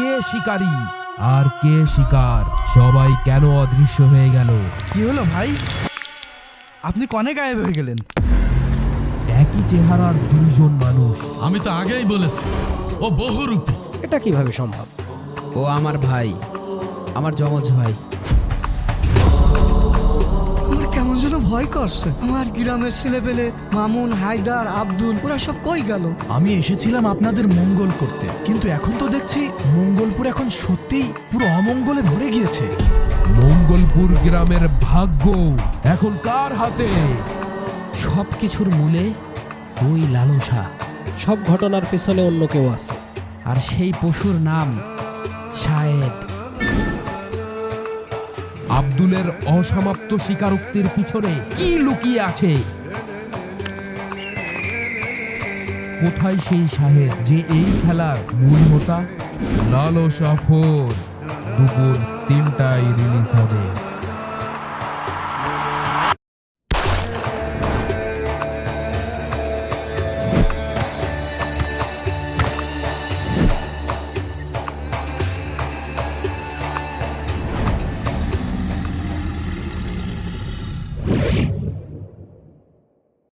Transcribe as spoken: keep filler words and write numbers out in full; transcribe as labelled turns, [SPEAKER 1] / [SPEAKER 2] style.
[SPEAKER 1] কে শিকারী আর কে শিকার, সবাই কেন অদৃশ্য হয়ে গেল?
[SPEAKER 2] কি হলো ভাই, আপনি কনে গায়েব হয়ে গেলেন?
[SPEAKER 1] একই চেহারার দুইজন মানুষ।
[SPEAKER 3] আমি তো আগেই বলেছি ও বহুরূপী।
[SPEAKER 4] এটা কিভাবে সম্ভব?
[SPEAKER 5] ও আমার ভাই, আমার যমজ ভাই।
[SPEAKER 6] আমার কেমন যেন ভয় করছে। আমার গ্রামের ছেলে পেলে মামুন, হায়দার, আব্দুল, ওরা সব কই গেল?
[SPEAKER 2] আমি এসেছিলাম আপনাদের মঙ্গল করতে, কিন্তু এখন তো দেখছি মঙ্গলপুর এখন সত্যিই পুরো অমঙ্গলে ভরে গিয়েছে।
[SPEAKER 1] মঙ্গলপুর গ্রামের ভাগ্য এখন কার হাতে?
[SPEAKER 5] সব কিছুর মূলে ওই লালসা,
[SPEAKER 4] সব ঘটনার পেছনে অন্য কেউ আছে।
[SPEAKER 5] আর সেই পশুর নাম শায়েদ।
[SPEAKER 1] আব্দুলের অসমাপ্ত স্বীকারোক্তির পিছনে কি লুকিয়ে আছে? কোথায় সেই সাহেব যে এই খেলার মূল হোতা? লালসা ফোর দুপুর তিনটায় রিলিজ হবে।